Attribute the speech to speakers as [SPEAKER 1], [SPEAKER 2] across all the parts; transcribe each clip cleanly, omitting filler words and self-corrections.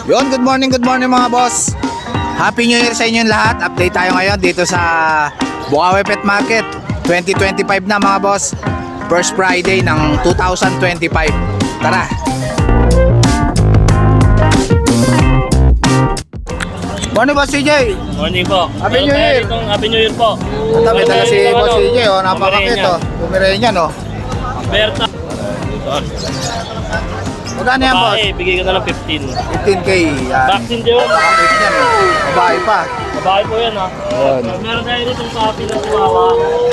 [SPEAKER 1] Good morning mga boss. Happy New Year sa inyong lahat. Update tayo ngayon dito sa Bukawi Pet Market. 2025 na mga boss. First Friday ng 2025. Tara. Morning boss CJ.
[SPEAKER 2] Morning po.
[SPEAKER 1] Happy New Year.
[SPEAKER 2] Happy New Year po.
[SPEAKER 1] Ito may dala si boss CJ. Napakakit o. Pumirenya no.
[SPEAKER 2] Berta.
[SPEAKER 1] Magkano yan boss?
[SPEAKER 2] Bigay ko na lang 15.
[SPEAKER 1] 15k. Yan.
[SPEAKER 2] Vaccine din yun.
[SPEAKER 1] Bakit yan o. Babae pa.
[SPEAKER 2] Babae po yan ha.
[SPEAKER 1] Yun.
[SPEAKER 2] Meron tayo dito sa puppy ng Chihuahua.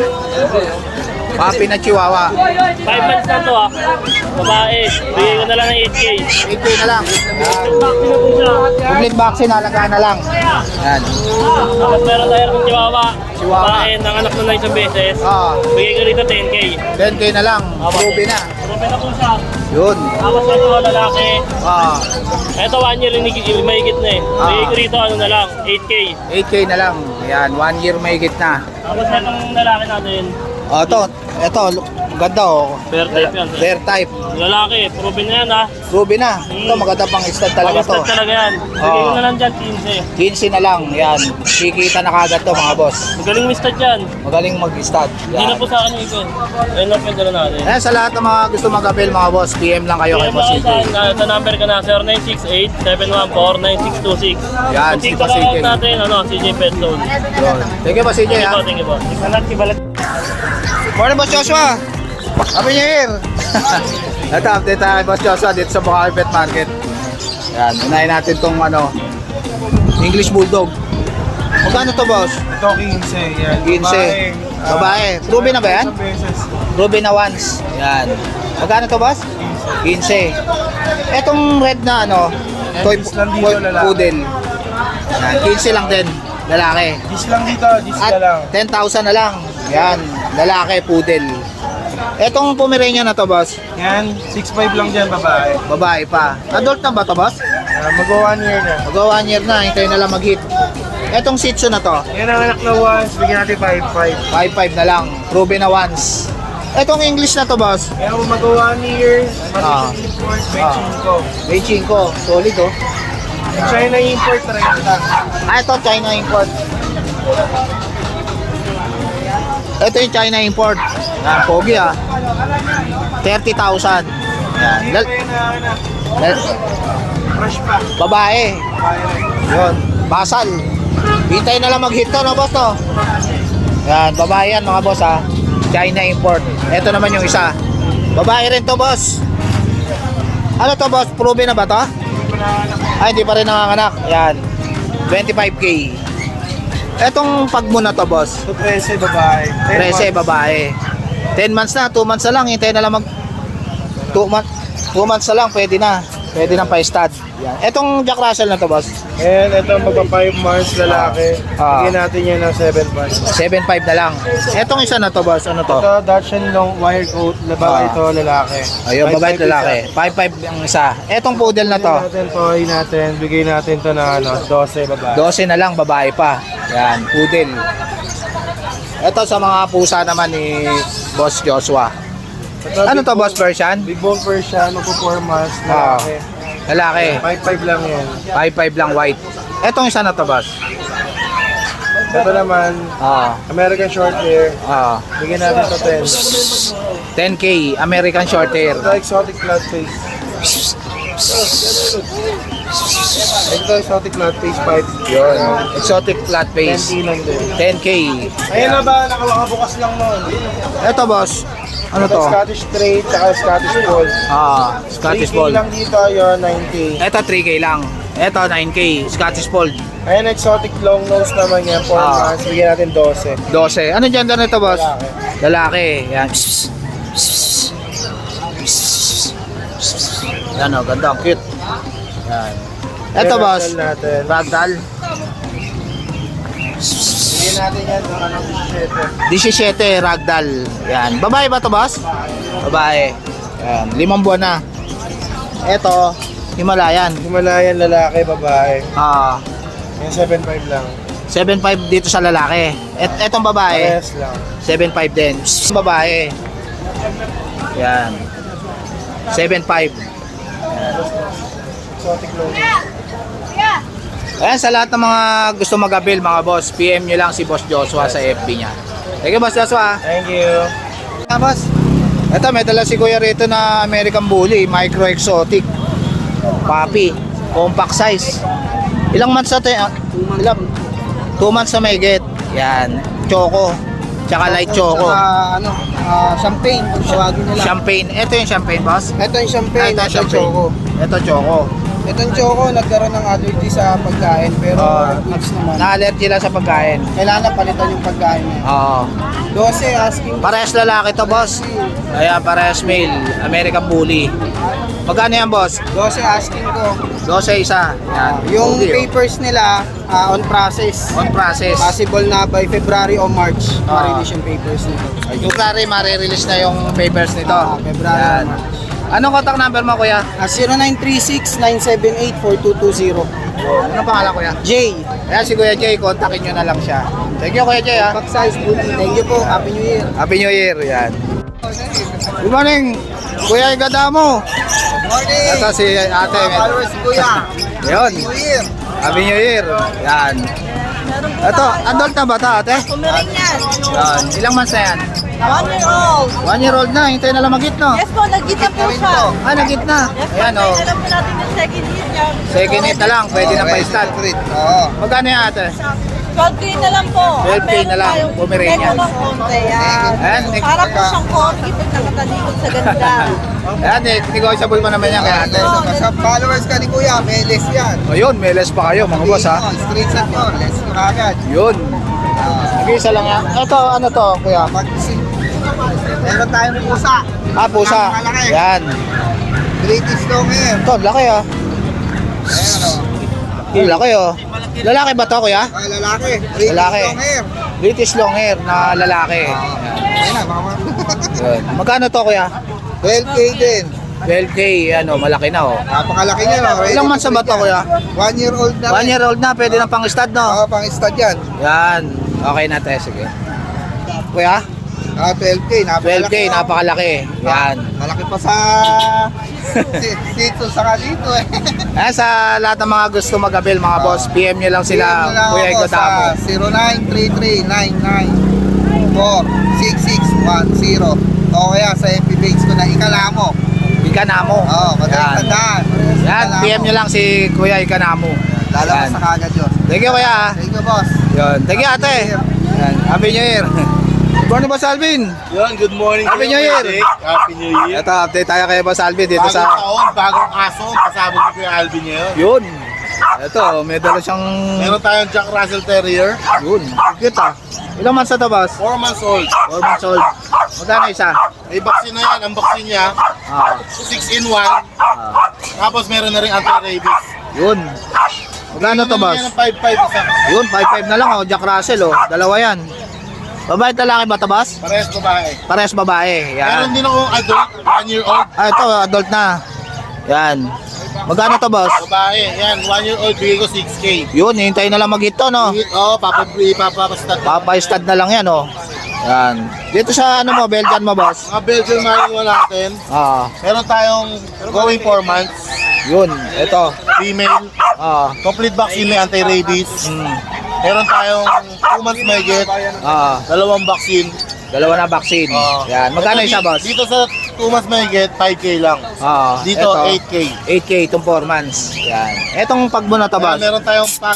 [SPEAKER 1] Papi na Chihuahua.
[SPEAKER 2] 5 months na to ha. Babae. Bigay ko na lang ng 8K.
[SPEAKER 1] 8k na lang.
[SPEAKER 2] Vaccine na po siya.
[SPEAKER 1] Complete vaccine, halagaan na lang. Yan.
[SPEAKER 2] Tapos meron tayo ng Chihuahua.
[SPEAKER 1] Chihuahua.
[SPEAKER 2] Babae, nanganak na isang beses. Bigay ko rito 10K.
[SPEAKER 1] 10k na lang. Ruby na.
[SPEAKER 2] Ruby na po siya.
[SPEAKER 1] Yun.
[SPEAKER 2] Tapos ito lalaki. Ito 1 year mahigit na eh. Bigay ko rito ano na lang, 8K.
[SPEAKER 1] 8k na lang. Yan, 1 year mahigit na.
[SPEAKER 2] Tapos itong lalaki natin.
[SPEAKER 1] Ito, ganda o.
[SPEAKER 2] Bear type yan.
[SPEAKER 1] Bear type.
[SPEAKER 2] Lalaki, proven na yan ha.
[SPEAKER 1] Ruby na. Ito, maganda pang stud talaga to.
[SPEAKER 2] Pang-stud talaga yan. Bigay ko na lang dyan, 15.
[SPEAKER 1] 15 na lang. Yan. Kikita na kagad to mga boss.
[SPEAKER 2] Magaling mi-stud yan.
[SPEAKER 1] Magaling mag-stud.
[SPEAKER 2] Hindi na po sa akin yung ikon. Ayun lang po yung dala natin.
[SPEAKER 1] Ayan, sa lahat ng mga gusto mag-avail mga boss, PM lang kayo kay
[SPEAKER 2] PM
[SPEAKER 1] Boss
[SPEAKER 2] ako
[SPEAKER 1] CJ.
[SPEAKER 2] sa number ka na 0968-714-9626.
[SPEAKER 1] Yan,
[SPEAKER 2] Ang
[SPEAKER 1] si
[SPEAKER 2] TikTok
[SPEAKER 1] Boss CJ.
[SPEAKER 2] account natin, CJ Pet Zone.
[SPEAKER 1] Yun. Thank you Boss CJ ha.
[SPEAKER 2] Thank you po. Ikalat, kibalat.
[SPEAKER 1] Morning Boss Joshua. Happy New Year. Ito, update tayo kay Boss Joshua dito sa Bukawi Pet Market. Yan, unahin natin tong English Bulldog. Magkano to boss?
[SPEAKER 3] Ito 15, yan.
[SPEAKER 1] 15. Babae. Ruby na ba yan?
[SPEAKER 3] Isang beses.
[SPEAKER 1] Ruby na once. Yan. Magkano to boss? 15. Etong red na toy
[SPEAKER 3] Dis lang dito, lalaki.
[SPEAKER 1] poodle. Yan, 15 lang din. Lalaki.
[SPEAKER 3] Dis lang dito, dis
[SPEAKER 1] At
[SPEAKER 3] ka lang.
[SPEAKER 1] 10,000 na lang. Yan, lalaki, poodle. Etong Pomeranian na to boss?
[SPEAKER 3] Yan, 6'5 lang dyan, babae.
[SPEAKER 1] Babae pa. Adult na ba to boss?
[SPEAKER 3] Mag-1 year na.
[SPEAKER 1] Mag 1 year na, hintayin na lang mag-hit. Etong Shih Tzu na to?
[SPEAKER 3] Yan ang anak na once, bigyan natin 5'5.
[SPEAKER 1] 5'5 na lang. Ruby na once. Etong English na to boss?
[SPEAKER 3] Kaya kung mag-1 year,
[SPEAKER 1] Ah.
[SPEAKER 3] matitong import, benching ko.
[SPEAKER 1] Beijing ko. Solid oh.
[SPEAKER 3] China import, 30.
[SPEAKER 1] Ito China import. Ito yung China import. Yan, pogi 30,000. Yan.
[SPEAKER 3] Hindi pa yun na, fresh pa.
[SPEAKER 1] Babae. Yun. Basal. Hintay na lang mag-hit to, no boss to? Yan, babae yan mga boss China import. Ito naman yung isa. Babae rin to boss. Ano to boss? Proven na ba to? Hindi pa rin nanganganak. Yan. 25k. Etong pagmo na to boss.
[SPEAKER 3] Ito 13, babae.
[SPEAKER 1] 13 babae. 10 months na, 2 months na lang. Hintay na lang 2 months na lang, pwede na. Pwede na pa-stud. Yan. Etong Jack Russell na to boss.
[SPEAKER 3] And ito magpa 5 months, lalaki. Bigyan natin yan ng 7'5.
[SPEAKER 1] 7.5 na lang. Etong isa na to boss, ano to?
[SPEAKER 3] Ito, Dachshund long wire coat, babae ito, lalaki.
[SPEAKER 1] Ayun,
[SPEAKER 3] 5'5"
[SPEAKER 1] babae at lalaki.
[SPEAKER 3] isa.
[SPEAKER 1] 5.5 ang isa. Etong poodle na to,
[SPEAKER 3] Bigyan natin, bigay natin to na 12 babae.
[SPEAKER 1] 12 na lang, babae pa. Yan, poodle. Ito sa mga pusa naman ni Boss Joshua.
[SPEAKER 3] Ito,
[SPEAKER 1] Ano
[SPEAKER 3] big
[SPEAKER 1] to boss,
[SPEAKER 3] bone-
[SPEAKER 1] Persian?
[SPEAKER 3] Big bone Persian, magpo 4 months,
[SPEAKER 1] Ah.
[SPEAKER 3] lalaki.
[SPEAKER 1] Lalaki.
[SPEAKER 3] 5'5 lang yan.
[SPEAKER 1] 5.5 lang white. Etong isa na to boss.
[SPEAKER 3] Ito naman, American short hair, bigyan natin to 10.
[SPEAKER 1] 10k, American short hair.
[SPEAKER 3] Ito, exotic flat face. Ito, exotic flat face, 5.
[SPEAKER 1] Yun, exotic flat face.
[SPEAKER 3] 10K lang din.
[SPEAKER 1] 10k.
[SPEAKER 3] Ayun na ba, nakabukas lang nun.
[SPEAKER 1] Eto boss, ano
[SPEAKER 3] Ito,
[SPEAKER 1] to?
[SPEAKER 3] Scottish Straight, saka Scottish Fold.
[SPEAKER 1] Scottish
[SPEAKER 3] 3K
[SPEAKER 1] Fold.
[SPEAKER 3] lang dito, yun, 9K.
[SPEAKER 1] Ito 3k lang. Ito 9k, Scottish Fold.
[SPEAKER 3] Ayun, exotic long nose naman yan, 4 months, bigyan natin 12.
[SPEAKER 1] 12. Ano gender nito boss?
[SPEAKER 3] Lalaki.
[SPEAKER 1] Lalaki. Yan. Yan o, ganda, ang cute. Yan. Ito
[SPEAKER 3] Ayan,
[SPEAKER 1] boss,
[SPEAKER 3] ragdoll natin.
[SPEAKER 1] ragdoll.
[SPEAKER 3] Bigyan natin yan, ng 17.
[SPEAKER 1] 17 ragdoll. Yan. Babae ba to boss? Babae. Yan. 5 buwan na. Ito, Himalayan.
[SPEAKER 3] Himalayan, lalaki, babae. Yung 7'5 lang.
[SPEAKER 1] 7.5 dito sa lalaki. Etong babae,
[SPEAKER 3] Parehas lang.
[SPEAKER 1] 7.5 din. Babae. Yan. 7.5.
[SPEAKER 3] Exotic long nose.
[SPEAKER 1] Ayan, sa lahat ng mga gusto mag-avail mga boss, PM nyo lang si Boss Joshua sa FB niya. Thank you, Boss Joshua.
[SPEAKER 3] Thank you.
[SPEAKER 1] Boss, ito may dala si Kuya rito na American Bully, micro exotic, puppy, compact size. Ilang months na ito? Ilang? 2 months na may get. Yan, choco, tsaka light choco.
[SPEAKER 3] Champagne, kung tawagin nila.
[SPEAKER 1] Champagne, ito yung champagne, boss.
[SPEAKER 3] Ito yung champagne,
[SPEAKER 1] Ito
[SPEAKER 3] ito yung
[SPEAKER 1] champagne.
[SPEAKER 3] choco.
[SPEAKER 1] Ito choco.
[SPEAKER 3] Itong choco, nagkaroon ng allergy sa pagkain, pero goods naman.
[SPEAKER 1] Na-allergy lang sa pagkain.
[SPEAKER 3] Kailangan na palitan yung pagkain niya.
[SPEAKER 1] Oo.
[SPEAKER 3] 12 asking.
[SPEAKER 1] Parehas lalaki to, boss. Ayan, parehas male, American Bully. Magkano yan, boss?
[SPEAKER 3] 12 asking ko.
[SPEAKER 1] 12 isa. Yan.
[SPEAKER 3] Yung
[SPEAKER 1] Okay, oh.
[SPEAKER 3] papers nila, on process.
[SPEAKER 1] On process.
[SPEAKER 3] Possible na by February o March,
[SPEAKER 1] Ah.
[SPEAKER 3] ma-release yung papers nito.
[SPEAKER 1] Yung kare, marirelease na yung papers nito.
[SPEAKER 3] February
[SPEAKER 1] Yan.
[SPEAKER 3] o March.
[SPEAKER 1] Anong contact number mo, kuya?
[SPEAKER 3] 0936-978-4220.
[SPEAKER 1] Anong pangalan, kuya?
[SPEAKER 3] J.
[SPEAKER 1] Ayan, si Kuya Jay, kontakin nyo na lang siya. Thank you, Kuya Jay, ha.
[SPEAKER 3] Pack size booty. Thank you po. Happy New Year.
[SPEAKER 1] Happy New Year, yan. Good morning, Kuya Igadamo.
[SPEAKER 3] Morning.
[SPEAKER 1] Ito si ate.
[SPEAKER 3] Followers kuya.
[SPEAKER 1] Yun,
[SPEAKER 3] New Year.
[SPEAKER 1] Happy New Year. Yan. Ito, adult na ba ito, ate?
[SPEAKER 4] Pomeranian.
[SPEAKER 1] Yan. Ilang months na yan?
[SPEAKER 4] 1 year old.
[SPEAKER 1] 1 year old na, hintay na lang magit, no?
[SPEAKER 4] Yes po, nag-gita po siya.
[SPEAKER 1] Ah, nagit na.
[SPEAKER 4] Yes po,
[SPEAKER 1] Ayan, oh.
[SPEAKER 4] alam po natin yung second hit niya.
[SPEAKER 1] Second hit na lang, pwede na pa-start.
[SPEAKER 3] Oo.
[SPEAKER 1] Magkano yan, ate?
[SPEAKER 4] 12K na lang po.
[SPEAKER 1] 12K na lang,
[SPEAKER 4] Meron tayong
[SPEAKER 1] Pomeranian.
[SPEAKER 4] Meron ng konti, yan.
[SPEAKER 1] Ayan,
[SPEAKER 4] Para po siyang corgi pag nakatalikod sa ganda.
[SPEAKER 1] Ayan, negotiable mo naman yan kay ate.
[SPEAKER 3] Sa followers ka ni kuya, may list yan.
[SPEAKER 1] O yun, may less pa kayo, mga boss, ha?
[SPEAKER 3] Straight shot mo, list ko agad.
[SPEAKER 1] Yun. Nag-isa lang yan. Ito, ano to, kuya?
[SPEAKER 3] Meron tayong pusa.
[SPEAKER 1] Ah, pusa.
[SPEAKER 3] Malaki.
[SPEAKER 1] Yan.
[SPEAKER 3] British long hair.
[SPEAKER 1] Ito, laki, ah.
[SPEAKER 3] Ayan o.
[SPEAKER 1] Yung laki, oh. Lalaki ba to, kuya?
[SPEAKER 3] Lalaki. British
[SPEAKER 1] Lalaki.
[SPEAKER 3] long hair.
[SPEAKER 1] British long hair na lalaki.
[SPEAKER 3] Ayan na, baka
[SPEAKER 1] Yun. Magkano to, kuya?
[SPEAKER 3] 12K din.
[SPEAKER 1] 12K, ano, malaki na, oh.
[SPEAKER 3] Napakalaki niya, no?
[SPEAKER 1] Ilang months na ba to, kuya?
[SPEAKER 3] 1 year old na.
[SPEAKER 1] 1 year old na, pwede na pang stud, no?
[SPEAKER 3] Oo, pang stud yan.
[SPEAKER 1] Yan. Okay na, te, sige. Kuya?
[SPEAKER 3] 12K, napakalaki.
[SPEAKER 1] 12K, napakalaki. Yan.
[SPEAKER 3] Malaki pa sa sito sa dito eh.
[SPEAKER 1] Ayan, sa lahat ng mga gusto mag-avail, mga boss, PM nyo lang sila, Kuya Igodamo.
[SPEAKER 3] 0933-994-6610 o kaya sa FB page ko na Ikalamo.
[SPEAKER 1] Ikanamo.
[SPEAKER 3] Oo, madaling tandaan.
[SPEAKER 1] Yan, PM nyo lang si Kuya Ikanamo.
[SPEAKER 3] Lalabas
[SPEAKER 1] Yan.
[SPEAKER 3] sa kagad yun.
[SPEAKER 1] Thank you, Kuya.
[SPEAKER 3] Thank you, boss.
[SPEAKER 1] Yun. Thank you, ate. Yan. Happy New Year. Good morning, Boss Alvin.
[SPEAKER 5] Yun, good morning.
[SPEAKER 1] Happy New Year.
[SPEAKER 5] Happy New Year.
[SPEAKER 1] Ito, update tayo kay Boss Alvin dito
[SPEAKER 5] Bagong
[SPEAKER 1] sa...
[SPEAKER 5] taon, bagong aso. Pasabog ni Kuya Alvin ngayon.
[SPEAKER 1] Yun. Ito, may dala siyang...
[SPEAKER 5] Meron tayong Jack Russell Terrier.
[SPEAKER 1] Yun. Cute, ah. Ilang months na to, Boss?
[SPEAKER 5] 4 months old.
[SPEAKER 1] 4 months old. Magkano isa?
[SPEAKER 5] May vaccine na yan. Ang vaccine niya,
[SPEAKER 1] Ah.
[SPEAKER 5] 6-in-1. Tapos meron na rin anti-rabies.
[SPEAKER 1] Yun. Magkano to, Boss?
[SPEAKER 5] Yan ang 5-5 isa.
[SPEAKER 1] Yun, 5'5 na lang, oh. Jack Russell, oh. Dalawa yan. Babae at lalaki ba to, Boss?
[SPEAKER 5] Parehas babae.
[SPEAKER 1] Parehas babae.
[SPEAKER 5] Meron
[SPEAKER 1] Yan.
[SPEAKER 5] din akong adult, 1 year old.
[SPEAKER 1] Ah, ito, adult na. Yan. Magkano to, Boss?
[SPEAKER 5] Babae, yan, 1 year old, bigay ko 6K.
[SPEAKER 1] Yun, hintayin na lang mag-hit to, no?
[SPEAKER 5] Oo, papapastat.
[SPEAKER 1] Papa-stud na lang yan, oh. Yan. Dito sa ano mo, Belgian mo, Boss?
[SPEAKER 5] Mga Belgian Malinois natin,
[SPEAKER 1] Ah,
[SPEAKER 5] meron tayong going 4 months,
[SPEAKER 1] yun. Ito.
[SPEAKER 5] female,
[SPEAKER 1] Ah.
[SPEAKER 5] complete vaccine may anti-rabies.
[SPEAKER 1] Mm.
[SPEAKER 5] Meron tayong 2 months may get,
[SPEAKER 1] Ah,
[SPEAKER 5] dalawang vaccine.
[SPEAKER 1] dalawa na vaccine. Yan. Magkano
[SPEAKER 5] Ito,
[SPEAKER 1] isa, Boss?
[SPEAKER 5] Dito sa 2 months may get, 5K lang.
[SPEAKER 1] Ah,
[SPEAKER 5] Dito,
[SPEAKER 1] ito,
[SPEAKER 5] 8K.
[SPEAKER 1] 8K itong 4 months. Yan. Etong pagbo na to,
[SPEAKER 5] Kaya
[SPEAKER 1] Boss?
[SPEAKER 5] meron tayong pag.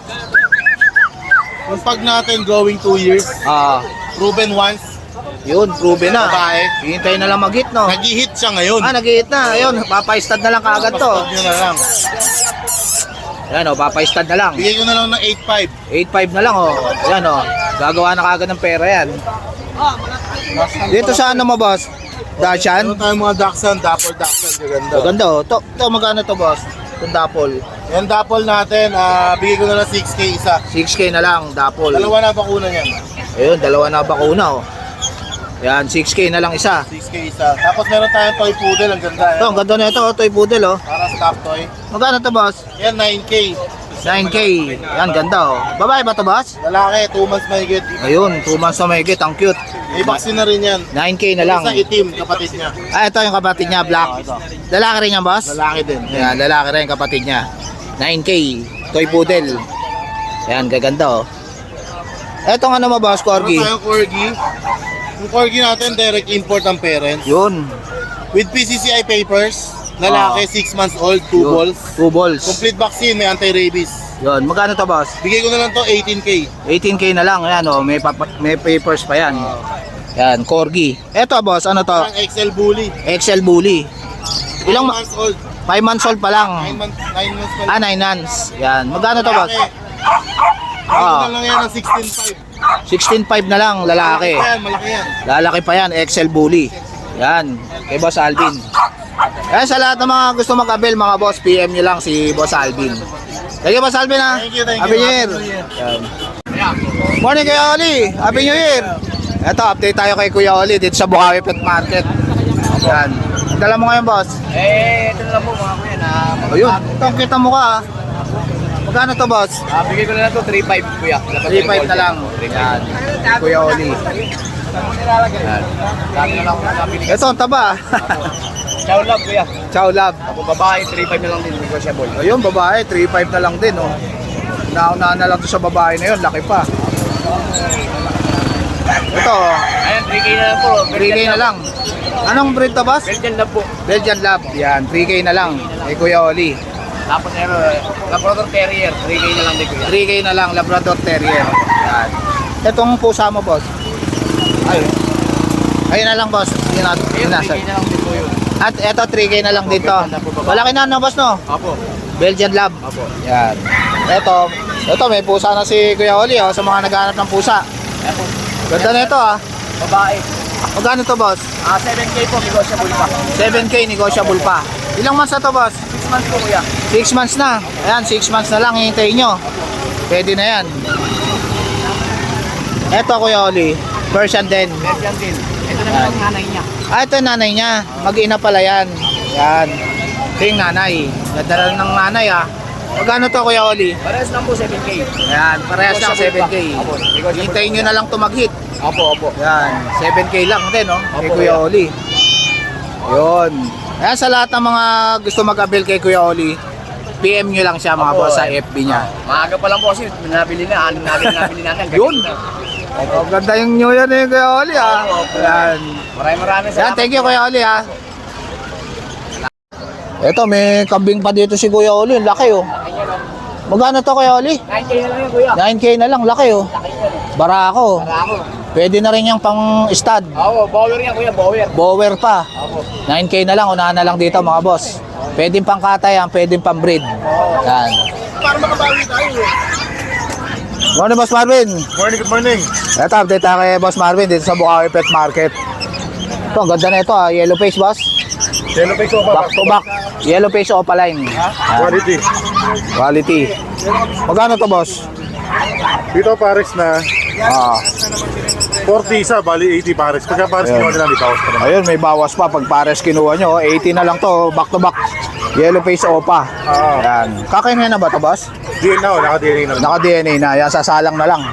[SPEAKER 5] Yung pag natin going 2 years,
[SPEAKER 1] Ah,
[SPEAKER 5] proven once,
[SPEAKER 1] yun, proven na.
[SPEAKER 5] babae.
[SPEAKER 1] Hintayin na lang mag-hit, no?
[SPEAKER 5] Nag-hit siya ngayon.
[SPEAKER 1] Ah, nag-hit na. Ayun, papa-stud na lang kaagad to.
[SPEAKER 5] Pastad nyo na lang.
[SPEAKER 1] Yan, oh, papa-stud na lang.
[SPEAKER 5] Bigay ko na lang ng 8.5.
[SPEAKER 1] 8.5 na lang, oh. Yan, oh. Gagawa na kaagad ng pera yan. Dito sa ano mo, Boss? Dashan?
[SPEAKER 5] Meron tayong mga Dachshund, Dapper Dachshund, ganda.
[SPEAKER 1] Maganda, oh. To magkano to, Boss? Itong dapol.
[SPEAKER 5] Yan dapol natin, bigay ko na lang 6K isa.
[SPEAKER 1] 6K na lang, dapol.
[SPEAKER 5] Dalawa na bakuna niyan.
[SPEAKER 1] Ayun, dalawa na bakuna, oh. Yan, 6K na lang isa.
[SPEAKER 5] 6K isa. Tapos meron tayong toy poodle, ang ganda.
[SPEAKER 1] Ito, ang ganda na ito, oh. Toy poodle, oh.
[SPEAKER 5] Para stop toy.
[SPEAKER 1] Magkano to, Boss?
[SPEAKER 5] Yan, 9K.
[SPEAKER 1] 9K. Yan, ganda, oh. Babae ba to, Boss?
[SPEAKER 5] Lalaki, 2 months may get.
[SPEAKER 1] Ayun, 2 months na may get. Ang cute.
[SPEAKER 5] May vaccine na rin yan.
[SPEAKER 1] 9K na lang.
[SPEAKER 5] Isa itim, kapatid niya.
[SPEAKER 1] Ah, ito yung kapatid niya, black.
[SPEAKER 5] Ito.
[SPEAKER 1] Lalaki rin yan, Boss?
[SPEAKER 5] Lalaki din.
[SPEAKER 1] Yan, lalaki rin kapatid niya. 9K. Toy poodle. Yan, gaganda oh. Etong ano mo boss, Corgi?
[SPEAKER 5] Meron tayong Corgi. Yung Corgi natin, direct import ang parents.
[SPEAKER 1] Yun.
[SPEAKER 5] With PCCI papers. Lalaki, 6 months old, 2
[SPEAKER 1] Yun.
[SPEAKER 5] balls.
[SPEAKER 1] 2 balls.
[SPEAKER 5] Complete vaccine, may anti-rabies.
[SPEAKER 1] Yun, magkano to boss?
[SPEAKER 5] Bigay ko na lang to 18K.
[SPEAKER 1] 18K na lang, yan oh, may papers pa yan. Yan, Corgi. Eto boss, ano to?
[SPEAKER 5] Ang XL Bully.
[SPEAKER 1] XL Bully.
[SPEAKER 5] 9
[SPEAKER 1] Ilang
[SPEAKER 5] months old.
[SPEAKER 1] 5 months old pa lang.
[SPEAKER 5] 9 months pa lang.
[SPEAKER 1] 9 months. Yan, magkano to boss?
[SPEAKER 5] Bigay ko na lang yan ng 16.5.
[SPEAKER 1] 16.5 na lang, lalaki.
[SPEAKER 5] Malaki yan.
[SPEAKER 1] Lalaki pa yan, XL Bully. Yan, kay Boss Alvin. Yan, sa lahat ng mga gusto mag-avail mga boss, PM nyo lang si Boss Alvin. Thank you, Boss Alvin ha.
[SPEAKER 5] Thank you.
[SPEAKER 1] Happy New Year. Yan. Morning Kuya Oli. Happy New Year. Ito, update tayo kay Kuya Oli dito sa Bukawi Pet Market. Yan. Ang dala mo ngayon, boss?
[SPEAKER 3] Ito na lang po mga kuya na
[SPEAKER 1] Ayun, ito ang kita mo ka ha. Magkano to, boss?
[SPEAKER 3] bigay ko na lang to 3.5 kuya.
[SPEAKER 1] 3.5 na lang. Yan. Kuya Oli. Yan.
[SPEAKER 3] Dami na lang ako nakapili.
[SPEAKER 1] Ito, ang taba.
[SPEAKER 3] Ciao love kuya.
[SPEAKER 1] Ciao, love.
[SPEAKER 3] Ako babae 3.5 na lang din negotiable.
[SPEAKER 1] Ayun, babae, 3.5 na lang din, oh. Nauna na lang to sa babae na yun, laki pa. Ito,
[SPEAKER 3] Ayan 3K na lang po.
[SPEAKER 1] 3K na lang. Anong breed to, boss?
[SPEAKER 3] Belgian love po.
[SPEAKER 1] Belgian Lab. Yan, 3K na lang. Kay Kuya Oli.
[SPEAKER 3] Tapos Labrador Terrier 3K na lang din kuya.
[SPEAKER 1] 3K na lang, Labrador Terrier. Yan. Itong pusa mo, boss. Ayun. Ayun na lang, boss. Yun na,
[SPEAKER 3] Ayun 3K na lang din po yun.
[SPEAKER 1] At eto, 3K na lang dito. Malaki na, no, boss, no?
[SPEAKER 3] Apo.
[SPEAKER 1] Belgian Lab.
[SPEAKER 3] Apo.
[SPEAKER 1] Yan. Ito, may pusa na si Kuya Oli, oh, sa mga naghahanap ng pusa.
[SPEAKER 3] Ayan po.
[SPEAKER 1] Ganda na ito, ah.
[SPEAKER 3] Babae.
[SPEAKER 1] Magkano to, boss?
[SPEAKER 3] 7K po negotiable pa.
[SPEAKER 1] 7K, negotiable pa. Ilang months na to, boss?
[SPEAKER 3] 6 months po kuya.
[SPEAKER 1] 6 months na. Ayan, 6 months na lang, hihintayin nyo. Pwede na yan. Eto, Kuya Oli. Persian din.
[SPEAKER 3] Belgian din. Ito naman ang nanay niya.
[SPEAKER 1] Ah, ito yung nanay niya. Mag-ina pala yan. Yan. Ito yung nanay. Ganda na ng nanay, ah. Magkano to, Kuya Oli?
[SPEAKER 3] Parehas lang po 7K.
[SPEAKER 1] Ayan, parehas lang 7K.
[SPEAKER 3] Apo.
[SPEAKER 1] Hintayin nyo na lang tumag-hit.
[SPEAKER 3] Opo, opo.
[SPEAKER 1] Yan, 7K lang din, no? Kay
[SPEAKER 3] Opo,
[SPEAKER 1] Kuya
[SPEAKER 3] kuya.
[SPEAKER 1] Oli. Yun. Ayan, sa lahat ng mga gusto mag-avail kay Kuya Oli, PM nyo lang siya mga
[SPEAKER 3] Opo,
[SPEAKER 1] boss sa
[SPEAKER 3] eh.
[SPEAKER 1] FB niya.
[SPEAKER 3] Maaga pa lang po kasi nabili na. Anong nabili natin.
[SPEAKER 1] Yun. Oh, ganda yung New Year ni Kuya Oli, ah. Yan.
[SPEAKER 3] Maraming
[SPEAKER 1] Yan, thank you Kuya Oli, ah. Ito, may kambing pa dito si Kuya Oli. Laki, oh. Magkano to, Kuya Oli?
[SPEAKER 3] 9K na lang yun kuya.
[SPEAKER 1] 9K na lang, laki, oh. Barako.
[SPEAKER 3] Para ako.
[SPEAKER 1] Pwede na rin yung pang-stud.
[SPEAKER 3] Oo, bower yan kuya, bower.
[SPEAKER 1] Bower pa.
[SPEAKER 3] Opo.
[SPEAKER 1] 9K na lang, unahan na lang dito mga boss. Pwedeng pang katay, pwedeng pang breed. Yan.
[SPEAKER 5] Para makabawi tayo.
[SPEAKER 1] Morning, Boss Marvin.
[SPEAKER 5] Good morning.
[SPEAKER 1] Ito, update tayo kay Boss Marvin dito sa Bukawi Pet Market. Ito, ang ganda na ito, ah. Yellow face, boss.
[SPEAKER 5] Yellow face ko
[SPEAKER 1] Back to back. Yellow face opaline.
[SPEAKER 5] Quality.
[SPEAKER 1] Quality. Magkano to, boss?
[SPEAKER 5] Dito pares na
[SPEAKER 1] Ah,
[SPEAKER 5] 40 isa, bali 80 pares. Pagka pares
[SPEAKER 1] Ayun.
[SPEAKER 5] kinuha nila, may bawas pa naman.
[SPEAKER 1] ayun, may bawas pa pag pares kinuha nyo. 80 na lang to, back to back. Yellow face opa. Yan. Kakainin na ba to, boss?
[SPEAKER 5] DNA na, naka-DNA na.
[SPEAKER 1] Naka-DNA na. Yan, sasalang na lang.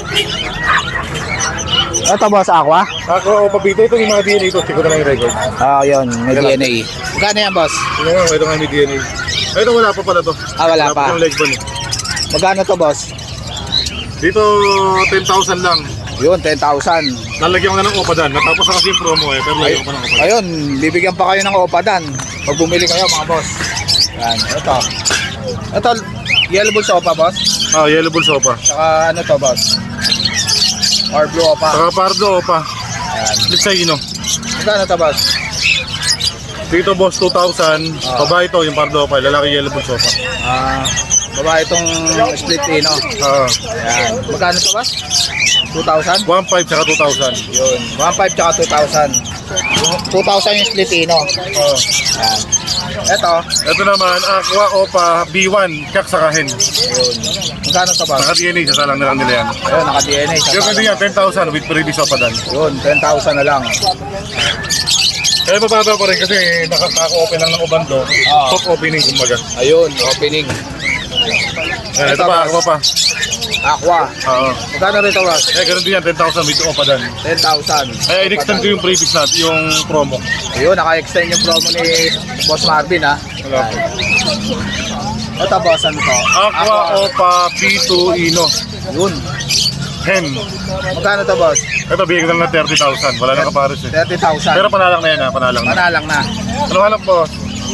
[SPEAKER 1] Ito, boss, aqua?
[SPEAKER 5] Ako, papito, ito yung mga DNA ito. Check ko na lang yung record.
[SPEAKER 1] Ah, yun, may DNA. Magkano yan, boss?
[SPEAKER 5] Ito nga, ito nga may DNA. Ito wala pa pala to.
[SPEAKER 1] Ah, wala pa.
[SPEAKER 5] yung leg bone.
[SPEAKER 1] Magkano to, boss?
[SPEAKER 5] Dito, 10,000 lang.
[SPEAKER 1] Yun, 10,000.
[SPEAKER 5] Lalagyan ko na ng opadan. Natapos na kasi yung promo eh, pero lagyan ko pa ng opadan.
[SPEAKER 1] Ayun, bibigyan pa kayo ng opadan. Pag bumili kayo, mga boss. Yan, ito. Ito, yellow bull sa opa, boss.
[SPEAKER 5] Ah, yellow bull sopa.
[SPEAKER 1] Saka ano to, boss? Or blue opa.
[SPEAKER 5] Saka pardo opa.
[SPEAKER 1] Yan.
[SPEAKER 5] Split sa ino.
[SPEAKER 1] Magkano to, boss?
[SPEAKER 5] Dito boss, 2,000. Babae ito, yung pardo opa. Lalaki yellow bull sopa.
[SPEAKER 1] Ah, babae itong split ino.
[SPEAKER 5] Ah,
[SPEAKER 1] Yan. Magkano to, boss? 2,000?
[SPEAKER 5] 1,500 tsaka 2,000.
[SPEAKER 1] Yun. 1,500 tsaka 2,000. 2,000 yung split ino.
[SPEAKER 5] Oh.
[SPEAKER 1] Yan. Ito.
[SPEAKER 5] Ito naman, Aqua Opa B1, kak sa kahin.
[SPEAKER 1] Ayun. Magkano to, boss?
[SPEAKER 5] Naka-DNA, sasalang na lang nila yan.
[SPEAKER 1] Ayun, naka-DNA.
[SPEAKER 5] Yung kasi yan, 10,000 with previous opadan.
[SPEAKER 1] Yun, 10,000 na lang.
[SPEAKER 5] Eh, mababa pa rin kasi nakaka-open lang ng uban to. Top opening, kumbaga.
[SPEAKER 1] Ayun, opening.
[SPEAKER 5] Eh, ito pa, Aqua pa.
[SPEAKER 1] Aqua.
[SPEAKER 5] Oo.
[SPEAKER 1] Magkano rito, boss?
[SPEAKER 5] Eh, ganun din yan, 10,000 with opadan.
[SPEAKER 1] 10,000.
[SPEAKER 5] Eh, in-extend ko yung previous natin, yung promo.
[SPEAKER 1] Ayun, naka-extend yung promo ni Boss Marvin, ha.
[SPEAKER 5] Wala.
[SPEAKER 1] Ito boss, ano to?
[SPEAKER 5] Aqua Opa P2 Ino.
[SPEAKER 1] Yun.
[SPEAKER 5] Hen.
[SPEAKER 1] Magkano to boss?
[SPEAKER 5] Ito, bigyan ko lang ng 30,000. Wala nang kapares eh.
[SPEAKER 1] 30,000.
[SPEAKER 5] Pero panalang na yan ha, panalang na.
[SPEAKER 1] Manalang na.
[SPEAKER 5] Ano hanap po?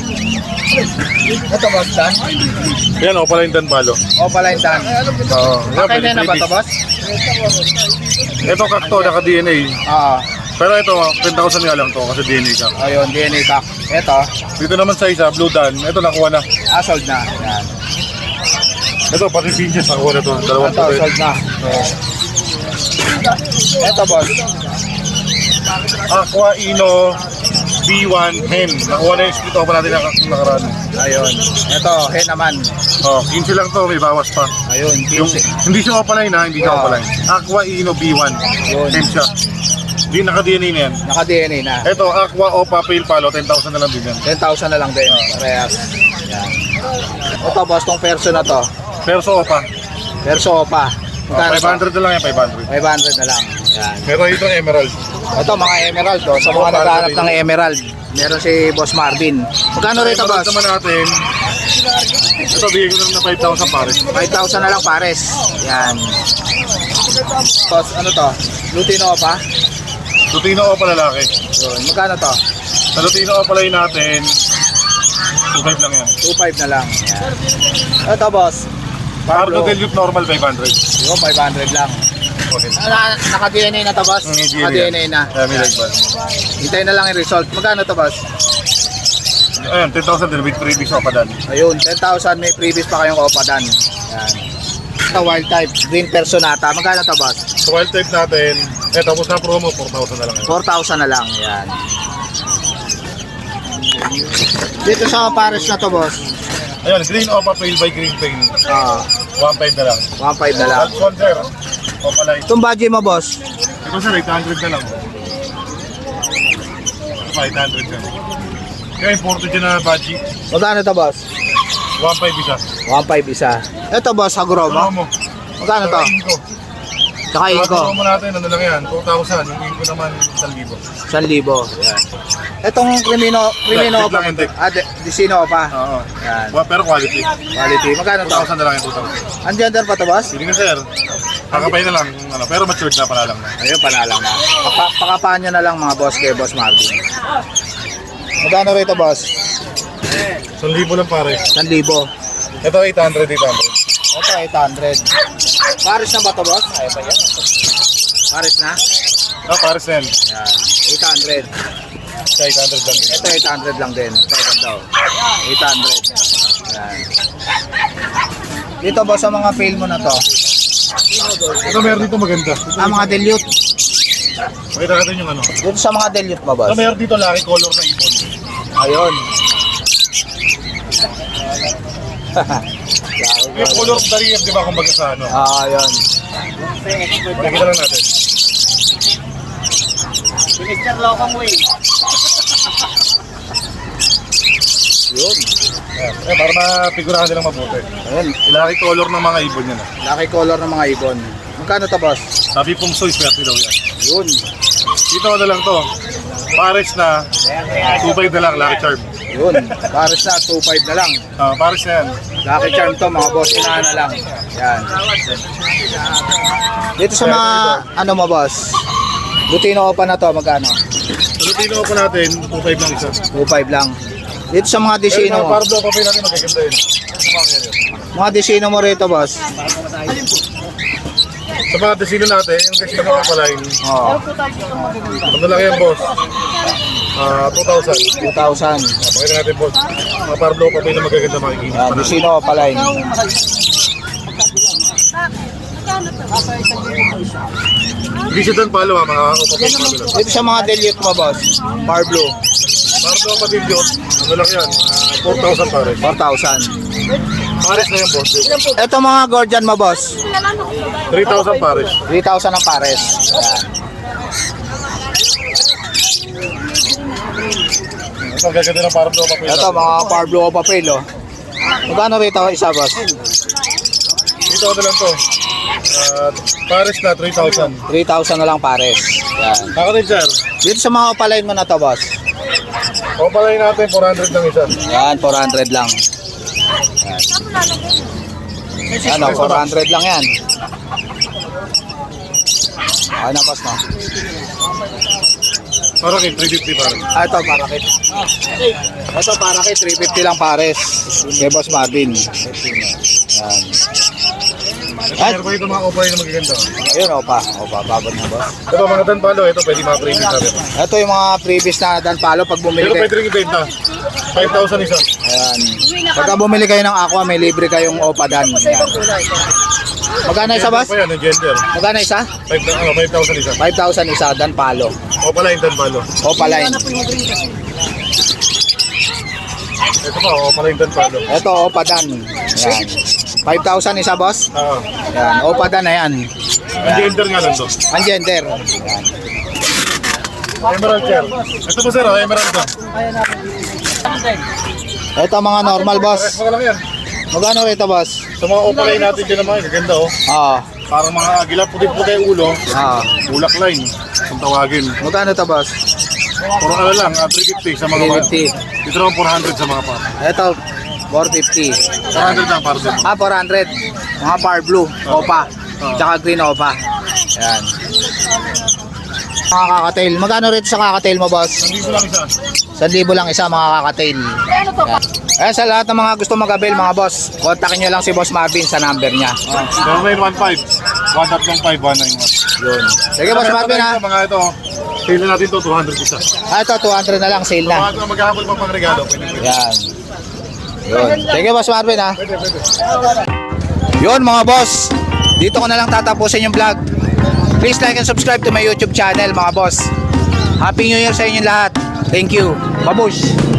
[SPEAKER 1] Ito boss, Dan.
[SPEAKER 5] Yan, Opaline Dan Balo.
[SPEAKER 1] Opaline Dan.
[SPEAKER 5] Oo.
[SPEAKER 1] Okay na ba to boss?
[SPEAKER 5] Ito kakto, naka-DNA.
[SPEAKER 1] Oo.
[SPEAKER 5] Pero ito, 10,000 nga lang to kasi DNA ka.
[SPEAKER 1] Ayun, DNA pack. Ito,
[SPEAKER 5] Dito naman sa isa, Blue Dan. Ito, nakuha na.
[SPEAKER 1] sold na. Yan.
[SPEAKER 5] Ito, pati pinches, nakuha na to. Dalawang
[SPEAKER 1] Ito,
[SPEAKER 5] puti.
[SPEAKER 1] sold na. Ito boss.
[SPEAKER 5] Aqua Ino B1 Hen. Nakuha na yung split opa natin na nakaraan.
[SPEAKER 1] Ayun. Ito, hen naman.
[SPEAKER 5] Oh, 15 lang to, may bawas pa.
[SPEAKER 1] Ayun,
[SPEAKER 5] Yung,
[SPEAKER 1] 15.
[SPEAKER 5] hindi siya Opaline ha, hindi siya
[SPEAKER 1] Ah.
[SPEAKER 5] Opaline. Aqua Ino B1.
[SPEAKER 1] Yun.
[SPEAKER 5] Hen siya. Hindi naka-DNA na yan.
[SPEAKER 1] Naka-DNA na.
[SPEAKER 5] Ito, Aqua Opa Pale Palo, 10,000 na lang din yan.
[SPEAKER 1] 10,000 na lang din. Parehas. Yan. Ito boss, tong perso na to.
[SPEAKER 5] Perso Opa.
[SPEAKER 1] Perso pa.
[SPEAKER 5] Oh,
[SPEAKER 1] Magkano to?
[SPEAKER 5] 500 na lang yan, 500.
[SPEAKER 1] 500 na lang. Yan.
[SPEAKER 5] Meron ito Emerald.
[SPEAKER 1] Ito mga emerald to. Sa mga naghahanap ng emerald. Meron si Boss Marvin. Magkano rito
[SPEAKER 5] Emerald
[SPEAKER 1] boss?
[SPEAKER 5] naman natin. Ito, bigyan ko na lang na 5,000 pare.
[SPEAKER 1] 5,000 na lang pares. Yan. Boss, ano to? Lutino pa?
[SPEAKER 5] Lutino Opa lalaki.
[SPEAKER 1] Yun. Magkano to?
[SPEAKER 5] Sa Lutino Opa line natin, 2,500 lang yan.
[SPEAKER 1] 2,500 na lang. Yan. Ito boss.
[SPEAKER 5] Pardo
[SPEAKER 1] Pablo.
[SPEAKER 5] Delute normal 500.
[SPEAKER 1] Yun, 500 lang.
[SPEAKER 5] Okay.
[SPEAKER 1] Naka-DNA na to boss? Naka-DNA na.
[SPEAKER 5] Kaya may lagban.
[SPEAKER 1] Hintayin na lang yung result. Magkano to boss?
[SPEAKER 5] Ayan, 10,000 din with freebies Opa Dan.
[SPEAKER 1] Ayun, 10,000 may previous pa kayong opadan. Yan. Ito wild type, green personata. Magkano to boss?
[SPEAKER 5] Sa wild type natin, tapos na promo, 4,000 na lang yan.
[SPEAKER 1] 4,000 na lang. Yan. Dito sa pares na to boss.
[SPEAKER 5] Ayan, green Opa Pale by Green Pain.
[SPEAKER 1] Ah,
[SPEAKER 5] 1,500 na lang.
[SPEAKER 1] 1,500 na lang.
[SPEAKER 5] Alphon sir, Opa line.
[SPEAKER 1] Itong budget mo boss.
[SPEAKER 5] Ito sir, 800 na lang. 500 ka. Kaya imported dyan na badgie.
[SPEAKER 1] Magkano to boss?
[SPEAKER 5] 1,500 isa.
[SPEAKER 1] 1,500 isa. Ito boss, Hagro
[SPEAKER 5] Ano
[SPEAKER 1] mo.
[SPEAKER 5] mo?
[SPEAKER 1] Magkano to?
[SPEAKER 5] Inko.
[SPEAKER 1] Tsaka Inko.
[SPEAKER 5] Ano mo natin, ano lang yan, 2,000. Yung Inko naman, 1,000.
[SPEAKER 1] 1,000. Yan. Itong Crimino
[SPEAKER 5] Black
[SPEAKER 1] pa.
[SPEAKER 5] lang yung deck.
[SPEAKER 1] Disino pa.
[SPEAKER 5] Oo.
[SPEAKER 1] Yan.
[SPEAKER 5] Pero quality.
[SPEAKER 1] Quality. Magkano to?
[SPEAKER 5] 2,000 na lang yung 2,000.
[SPEAKER 1] Ang gender pa to boss?
[SPEAKER 5] Hindi na sir. Kakapay na lang. Ano, pero matured na pala lang.
[SPEAKER 1] Ayun, panalang na. Pakapaan nyo na lang mga boss kay Boss Marvin. Magkano rito boss?
[SPEAKER 5] 1,000 lang pare.
[SPEAKER 1] 1,000.
[SPEAKER 5] Ito 800, 800.
[SPEAKER 1] Ito 800. Paris na ba to boss? Ay ba yan? Paris na?
[SPEAKER 5] Ah, pares na yan.
[SPEAKER 1] Yan. 800.
[SPEAKER 5] Kaya 800 lang din.
[SPEAKER 1] Ito 800 lang din. Ito daw. 800. Yan. Dito boss sa mga fail mo na to.
[SPEAKER 5] Ito meron dito maganda.
[SPEAKER 1] Mga dilute.
[SPEAKER 5] Pakita natin yung ano.
[SPEAKER 1] Dito sa mga dilute mo boss.
[SPEAKER 5] Ito meron dito laki color na ibon.
[SPEAKER 1] Ayun.
[SPEAKER 5] Yung color dariyap, di ba, kumbaga sa ano.
[SPEAKER 1] Ayun.
[SPEAKER 5] Pakita lang natin.
[SPEAKER 1] Yun.
[SPEAKER 5] Para mapigurahan nilang mabuti.
[SPEAKER 1] Ayun.
[SPEAKER 5] Laki color ng mga ibon yan.
[SPEAKER 1] Laki color ng mga ibon. Magkano to boss?
[SPEAKER 5] Sabi pong soy, swerte daw yan.
[SPEAKER 1] Yun.
[SPEAKER 5] Dito na lang to. Pares na, 2.5 na lang, Lucky Charm.
[SPEAKER 1] Yun. Paris na 2.5 na lang.
[SPEAKER 5] Pares na yan.
[SPEAKER 1] Lucky charm to mga boss. Inahan na lang. Yan. Dito sa mga ano mo boss? Lutino pa na to. Magkano?
[SPEAKER 5] Sa Lutino po natin, 2.5 lang isa.
[SPEAKER 1] 2.5 lang. Dito sa mga
[SPEAKER 5] Pero
[SPEAKER 1] disino
[SPEAKER 5] mga
[SPEAKER 1] mo.
[SPEAKER 5] pardo, papay natin magaganda yun.
[SPEAKER 1] Mga disino mo rito boss.
[SPEAKER 5] Sa mga desino natin, yung desino ko pala yun.
[SPEAKER 1] Oo.
[SPEAKER 5] Ano lang yan, boss? 2,000.
[SPEAKER 1] 2,000.
[SPEAKER 5] Pakita natin, boss. Mga pardo, papay na magaganda makikita.
[SPEAKER 1] Yan. Disino pala yun.
[SPEAKER 5] Hindi siya doon palo, mga upapay palo lang.
[SPEAKER 1] Dito sa mga dilute mo boss. Bar blue.
[SPEAKER 5] Pardo, patilyon, ano lang yan? 4,000 pare.
[SPEAKER 1] 4,000.
[SPEAKER 5] Pares na yan, boss.
[SPEAKER 1] Ito mga Gordian mo boss.
[SPEAKER 5] 3,000 pares.
[SPEAKER 1] 3,000 ang pares. Yan.
[SPEAKER 5] Ito, gaganda ng pardo, papay
[SPEAKER 1] Ito mga bar blue o papel oh. Magkano rito isa boss?
[SPEAKER 5] Dito na lang to. Pares na, 3,000.
[SPEAKER 1] 3,000 na lang pares. Yan.
[SPEAKER 5] Ako din, sir.
[SPEAKER 1] Dito sa mga opalain mo na to boss.
[SPEAKER 5] O palay natin, 400 lang isa.
[SPEAKER 1] Yan, 400 lang. Ano, 400 lang yan. Okay na, boss, no?
[SPEAKER 5] Parang 350 parang.
[SPEAKER 1] Ito, parakit. Ito, parakit. 350 lang pares. Kay Boss Marvin. Yan.
[SPEAKER 5] Meron pa ito mga opera na magaganda.
[SPEAKER 1] Ayun, opa. Opa, babad na, boss.
[SPEAKER 5] Ito mga danpalo, ito pwede mga premium natin.
[SPEAKER 1] Ito yung mga previous na danpalo pag bumili
[SPEAKER 5] Pero
[SPEAKER 1] kayo.
[SPEAKER 5] pwede rin ibenta. 5,000 isa.
[SPEAKER 1] Ayan. Pagka bumili kayo ng aqua, may libre kayong opa dan. Ayan. Magkano isa, boss?
[SPEAKER 5] Pa yan, yung gender.
[SPEAKER 1] Magkano isa?
[SPEAKER 5] 5,000 isa.
[SPEAKER 1] 5,000 isa, danpalo.
[SPEAKER 5] O pala yung danpalo.
[SPEAKER 1] Opa line.
[SPEAKER 5] Ito pa, o pala yung danpalo.
[SPEAKER 1] Ito, opa dan. Ayan. 5,000 isa, boss.
[SPEAKER 5] Ah,
[SPEAKER 1] Ayan, opa dan na yan.
[SPEAKER 5] ang gender nga lang to.
[SPEAKER 1] Ang gender. Ayan.
[SPEAKER 5] Emerald sir. Ito po sir, emerald to.
[SPEAKER 1] Ito mga normal, boss.
[SPEAKER 5] Mga lang yan.
[SPEAKER 1] Magkano rito, boss?
[SPEAKER 5] Sa mga opalay natin dyan naman, gaganda oh.
[SPEAKER 1] Oo.
[SPEAKER 5] Parang mga agila, puti-puti yung ulo.
[SPEAKER 1] Oo.
[SPEAKER 5] Bulak line, kung tawagin.
[SPEAKER 1] Magkano to, boss?
[SPEAKER 5] Puro ano lang, 350 sa mga
[SPEAKER 1] 350.
[SPEAKER 5] Dito naman 400 sa mga par.
[SPEAKER 1] Ito, 450.
[SPEAKER 5] 400 lang para sa mga.
[SPEAKER 1] 400. Mga par blue, opa. Tsaka green opa. Ayan. Mga kakatail. Magkano rito sa kakatail mo, boss?
[SPEAKER 5] Nandito lang isa.
[SPEAKER 1] 1,000 lang isa, mga kakatail. Ayan. Eh, sa lahat ng mga gusto mag-avail, mga boss, kontakin nyo lang si Boss Marvin sa number niya.
[SPEAKER 5] 0915 135 191.
[SPEAKER 1] Yun. Sige, Boss Marvin, ha?
[SPEAKER 5] Mga ito, sale na natin to 200 isa.
[SPEAKER 1] Ah, ito, 200 na lang, sale na.
[SPEAKER 5] Mga maghahabol pa pang regalo. Pwede.
[SPEAKER 1] Yan. Yun. Sige, Boss Marvin, ha?
[SPEAKER 5] Pwede.
[SPEAKER 1] Yun, mga boss. Dito ko na lang tatapusin yung vlog. Please like and subscribe to my YouTube channel, mga boss. Happy New Year sa inyo lahat. Thank you. Babush!